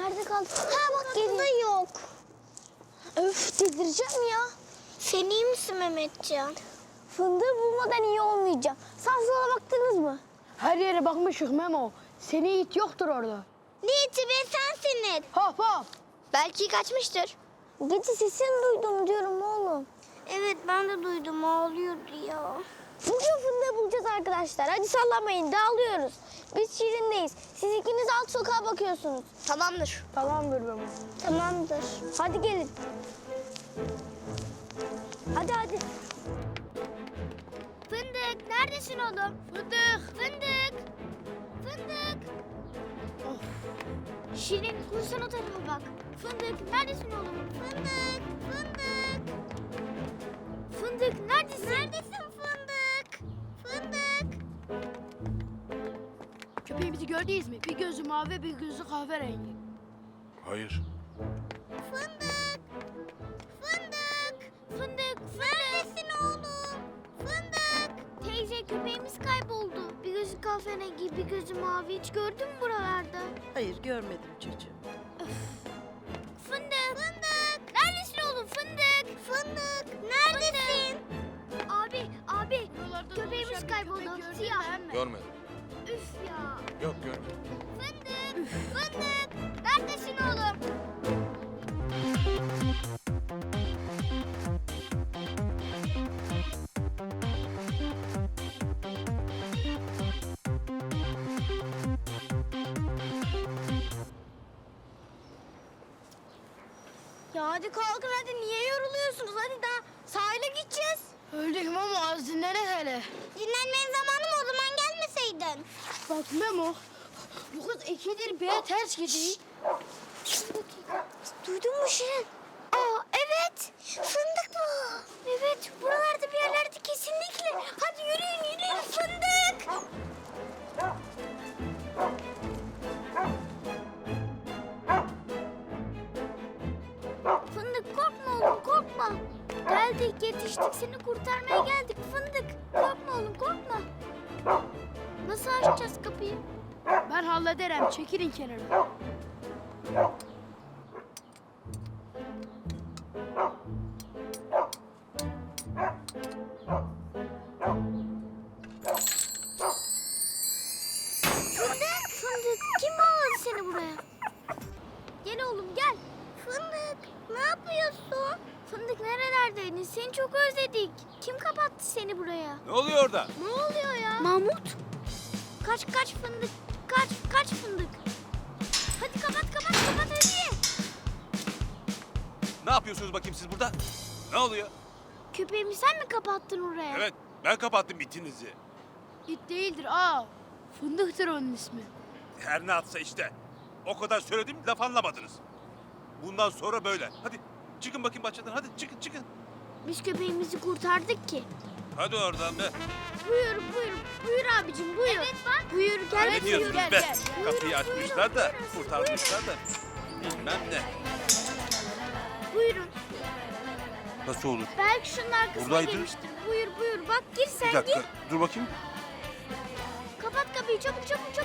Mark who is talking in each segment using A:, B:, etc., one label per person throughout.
A: Nerede kaldı? Ha bak geliyor. Yok. Öf delireceğim ya.
B: Sen iyi misin Mehmetcan?
A: Fındığı bulmadan iyi olmayacağım. Sağa sola baktınız mı?
C: Her yere bakmışık Memo. Seni it yoktur orada.
B: Ne iti be sensin it.
C: Hop hop.
B: Belki kaçmıştır.
A: Gece sesini duydum diyorum oğlum.
B: Evet ben de duydum ağlıyordu ya.
A: Bugün fındığı bulacağız arkadaşlar. Hadi sallamayın dağılıyoruz. Biz Şirin'deyiz. Siz ikiniz alt sokağa bakıyorsunuz.
B: Tamamdır.
C: Tamamdır Memo.
A: Tamamdır. Hadi gelin. Hadi hadi.
B: Fındık neredesin oğlum? Fındık. Fındık. Fındık. Şirin kursan o tarafa bak. Fındık neredesin oğlum? Fındık. Fındık. Fındık neredesin? Neredesin Fındık? Fındık.
C: Köpeğimizi gördünüz mü? Bir gözü mavi, bir gözü kahverengi.
D: Hayır.
B: Fındık. Fındık. Fındık. Neredesin oğlum? Fındık. Teyze köpeğimiz kayboldu. Bir gözü kahverengi, bir gözü mavi. Hiç gördün mü buralarda?
E: Hayır görmedim çocuğum.
B: Fındık. Fındık. Neredesin oğlum Fındık? Fındık. Neredesin? Abi. Köpeğimiz kayboldu. Siyah.
D: Görmedim.
B: Üf ya.
D: Yok görmedim.
B: Fındık. Fındık. Neredesin oğlum? Ya hadi kalkın hadi niye yoruluyorsunuz? Hadi daha sahile gideceğiz.
C: Öldük Memo, az dinlene hele.
B: Dinlenmenin zamanı mı o zaman gelmeseydin?
C: Bak Memo, bu kız ikidir bir ters gidiyor.
B: Duydun mu Şirin? Aa evet. Fındık bu. Evet buralarda bir yerlerde kesinlikle. Hadi yürüyün fındık. Fındık korkma oğlum korkma. Geldik yetiştik seni kurtarmaya geldik fındık. Korkma oğlum korkma. Nasıl açacağız kapıyı?
C: Ben hallederim, çekilin kenara.
B: Fındık kim bağladı seni buraya? Gel oğlum gel. Fındık ne yapıyorsun? Fındık nerelerdeydin? Seni çok özledik. Kim kapattı seni buraya?
D: Ne oluyor orada?
B: Ne oluyor ya? Mahmut. Kaç fındık. Kaç fındık. Hadi kapat hadi.
D: Ne yapıyorsunuz bakayım siz burada? Ne oluyor?
B: Köpeğimi sen mi kapattın oraya?
D: Evet ben kapattım itinizi.
C: İt değildir, fındıktır onun ismi.
D: Her ne atsa işte. O kadar söyledim laf anlamadınız. Bundan sonra böyle. Hadi çıkın bakayım bahçeden hadi çıkın.
B: Biz köpeğimizi kurtardık ki.
D: Hadi oradan be.
B: Buyur. Buyur abicim buyur. Evet bak. Buyur gel.
D: Ne diyorsunuz
C: gel,
D: be?
C: gel.
D: Kapıyı açmışlar da kurtarmışlar da. Bilmem ne.
B: Buyurun.
D: Nasıl olur?
B: Belki şunun arkasına
D: Buradaydı.
B: girmiştir. Buyur. Bak gir sen
D: Bir dakika
B: gir.
D: dur bakayım.
B: Kapat kapıyı çabuk.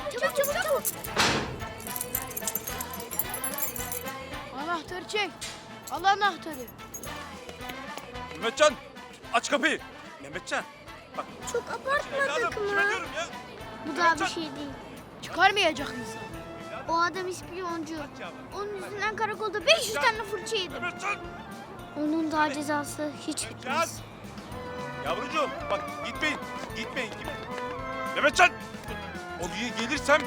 C: Anahtarı çek. Al anahtarı.
D: Mehmetcan aç kapıyı. Mehmetcan. Bak.
B: Çok abartmadık
D: Evladım kime
B: mı?
D: diyorum ya?
B: Bu daha bir şey değil.
C: Çıkarmayacak mısın?
B: O adam ispiyoncu. Onun yüzünden karakolda 500 tane fırça yedim.
D: Mehmetcan.
B: Onun daha cezası hiç
D: Mehmetcan.
B: bitmez.
D: Yavrucuğum bak gitmeyin. Mehmetcan. Oraya gelirsem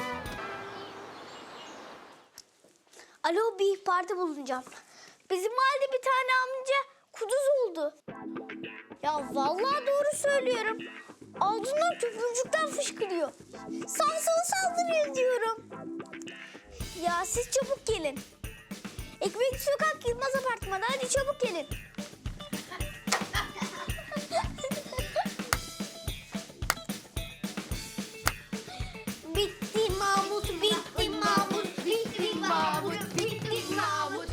A: Alo bir ihbarda bulunacağım. Bizim mahallede bir tane amca kuduz oldu. Ya vallahi doğru söylüyorum. Ağzından tüpürcükten fışkırıyor. Sağa sola saldırıyor diyorum. Ya siz çabuk gelin. Ekmek Sokak Yılmaz Apartmanı hadi çabuk gelin. Bitti Mahmut, bitti Mahmut, bitti Mahmut, bitti Mahmut.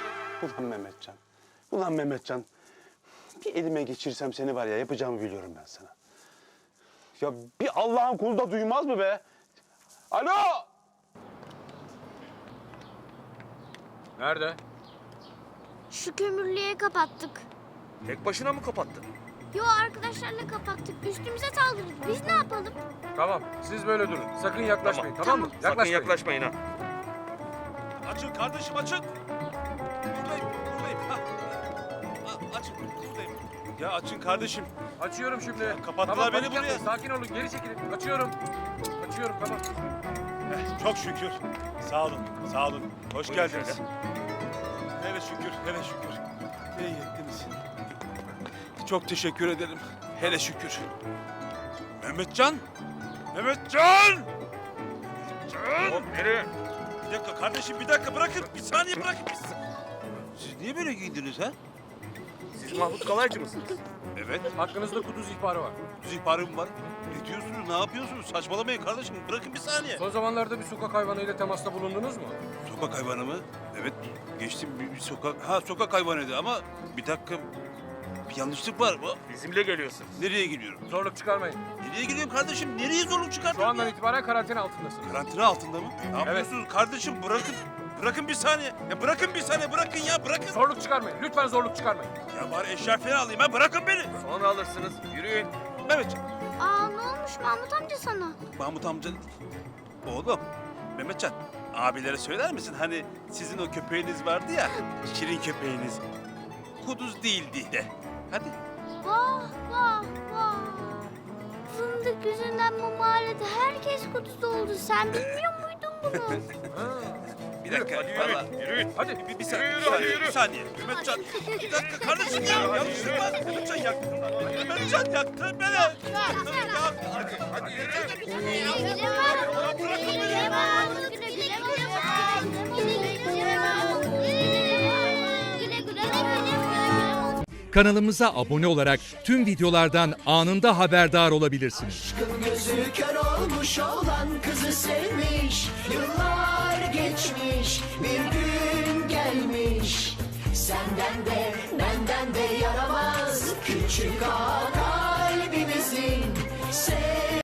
F: Ulan Mehmetcan. Bir elime geçirsem seni var ya yapacağımı biliyorum ben sana. Ya bir Allah'ın kulu da duymaz mı be? Alo!
G: Nerede?
B: Şu kömürlüğe kapattık.
H: Tek başına mı kapattın?
B: Yo, arkadaşlarla kapattık. Üstümüze saldırdı. Biz ne yapalım?
G: Tamam, siz böyle durun. Sakın yaklaşmayın, tamam,
B: Tamam.
G: mı?
H: Sakın
G: Yaklaşmayın.
H: yaklaşmayın ha.
D: Açın kardeşim açın. Buradayım buradayım. Ha. Açın buradayım. Ya açın kardeşim.
G: Açıyorum şimdi.
D: kapattılar
G: Tamam,
D: beni
G: panik yapmayın.
D: buraya.
G: Sakin olun, geri çekilin. Açıyorum. Açıyorum, tamam.
D: Çok şükür. Sağ olun sağ olun. Hoş
H: Buyurun
D: geldiniz.
H: şöyle.
D: Hele şükür hele şükür. İyi ettiniz. Çok teşekkür ederim. Hele şükür. Mehmetcan! Mehmetcan! Mehmetcan!
H: Hop nereye?
D: Bir dakika kardeşim bir dakika bırakın. Bir saniye bırakın. Siz niye böyle giyindiniz ha?
H: Siz Mahmut Kalaycı mısınız?
D: Evet.
G: Hakkınızda kuduz ihbarı var.
D: İhbarım var. Ne diyorsunuz? Ne yapıyorsunuz? Saçmalamayın kardeşim. Bırakın bir saniye.
G: Son zamanlarda bir sokak hayvanıyla temasta bulundunuz mu?
D: Sokak hayvanı mı? Evet. Geçtim bir sokak. Ha sokak hayvanıydı ama bir dakika. Bir yanlışlık var.
H: Bizimle geliyorsun.
D: Nereye gidiyorum?
G: Zorluk çıkarmayın.
D: Nereye gidiyorum kardeşim? Nereye zorluk
G: Şu
D: çıkartıyorum
G: andan
D: ya?
G: itibaren karantina altındasınız.
D: Karantina altında mı? Ne yapıyorsunuz kardeşim? Bırakın. Bırakın bir saniye. Ya bırakın bir saniye. Bırakın ya. Bırakın.
G: Zorluk çıkarmayın. Lütfen zorluk çıkarmayın.
D: Ya bari eşya falan alayım ha. Bırakın beni.
H: Sonra alırsınız. Yürüyün.
D: Mehmetcan.
B: Aa, ne olmuş Mahmut amca sana?
D: Mahmut amca. Oğlum. Mehmetcan. Abilere söyler misin? Hani sizin o köpeğiniz vardı ya. Şirin köpeğiniz. Kuduz değildi de. Hadi.
B: Vah vah vah. Fındık yüzünden bu mahallede herkes kuduz oldu. Sen bilmiyor muydun bunu?
D: Bir dakika.
H: Hadi yürü.
D: vallahi.
H: Yürüyün.
G: Hadi.
D: Bir saniye.
H: Yürü,
D: bir saniye,
H: yürü.
D: bir saniye. Mehmetcan. Bir dakika kardeşim ya. Yanlışlık var. Mehmetcan yaktın. Mehmetcan yaktın beni. Yaktın ya.
H: Hadi yürü.
I: Kanalımıza abone olarak tüm videolardan anında haberdar olabilirsiniz.
J: Gözü kör olmuş olan kızı sevmiş. Yıllar geçmiş, bir gün gelmiş. Senden de benden de yaramaz küçük ağa kalbimizin.